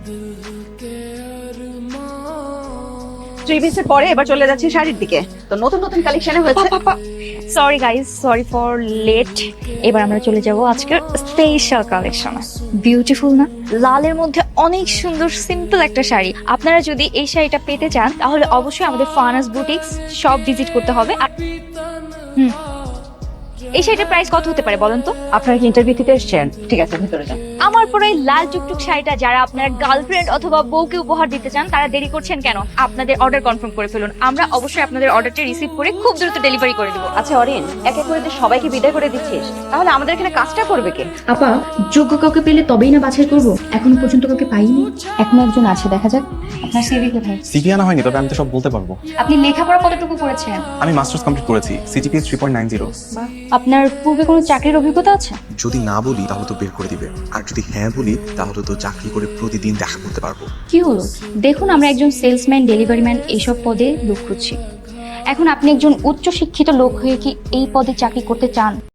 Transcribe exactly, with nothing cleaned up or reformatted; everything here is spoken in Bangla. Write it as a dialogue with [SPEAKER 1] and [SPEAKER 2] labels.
[SPEAKER 1] থ্রি পিসের পরে এবার চলে যাচ্ছি শাড়ির দিকে। তো নতুন নতুন কালেকশনে হয়েছে।
[SPEAKER 2] Sorry guys, sorry for late. এবার আমরা চলে যাব আজকের স্পেশাল কালেকশনে। বিউটিফুল না? লালের মধ্যে অনেক সুন্দর সিম্পল একটা শাড়ি। আপনারা যদি এই শাড়িটা পেতে চান তাহলে অবশ্যই আমাদের ফানাস বুটিক্স শপ ভিজিট করতে হবে। আর হুম, এই শাড়িটার প্রাইস কত হতে পারে বলেন তো?
[SPEAKER 1] আপনারা কি ইন্টারভিউ দিতে এসেছেন? ঠিক আছে, ভিতরে যান।
[SPEAKER 2] আমার পরে এই লাল টুকটুক শাড়িটা যারা আপনার গার্লফ্রেন্ড অথবা বউকে উপহার দিতে চান তারা দেরি করছেন কেন? আপনাদের অর্ডার কনফার্ম করে ফেলুন। আমরা অবশ্যই আপনাদের অর্ডারটা রিসিভ করে খুব দ্রুত ডেলিভারি করে দেবো।
[SPEAKER 1] আচ্ছা অরিন, এক এক করে যে সবাইকে বিদায় করে দিচ্ছিস, তাহলে আমাদের এখানে কাজটা করবে কে?
[SPEAKER 3] আপা, যোগ্য কাউকে পেলে তবেই না বাছাই করবো। এখনো পর্যন্ত কাউকে পাইনি। এখনো একজন আছে, দেখা যাক। আপনার সিভি কোথায়?
[SPEAKER 4] সিভি আনা হয়নি, তবে আমি তো সব বলতে পারবো।
[SPEAKER 3] আপনি লেখাপড়া কতটুকু করেছেন?
[SPEAKER 4] আমি মাস্টার্স কমপ্লিট করেছি, CGPA three point nine zero.
[SPEAKER 3] আপনার পূর্বে কোনো চাকরির অভিজ্ঞতা আছে?
[SPEAKER 5] যদি না বলি তাহলে তো বের করে দিবে, আর যদি হ্যাঁ বলি তাহলে তো চাকরি করে প্রতিদিন দেখা করতে পারবো।
[SPEAKER 3] কি হলো? দেখুন, আমরা একজন সেলসম্যান, ডেলিভারি ম্যান এইসব পদে লোক খুঁজছি। এখন আপনি একজন উচ্চ শিক্ষিত লোক হয়ে কি এই পদে চাকরি করতে চান?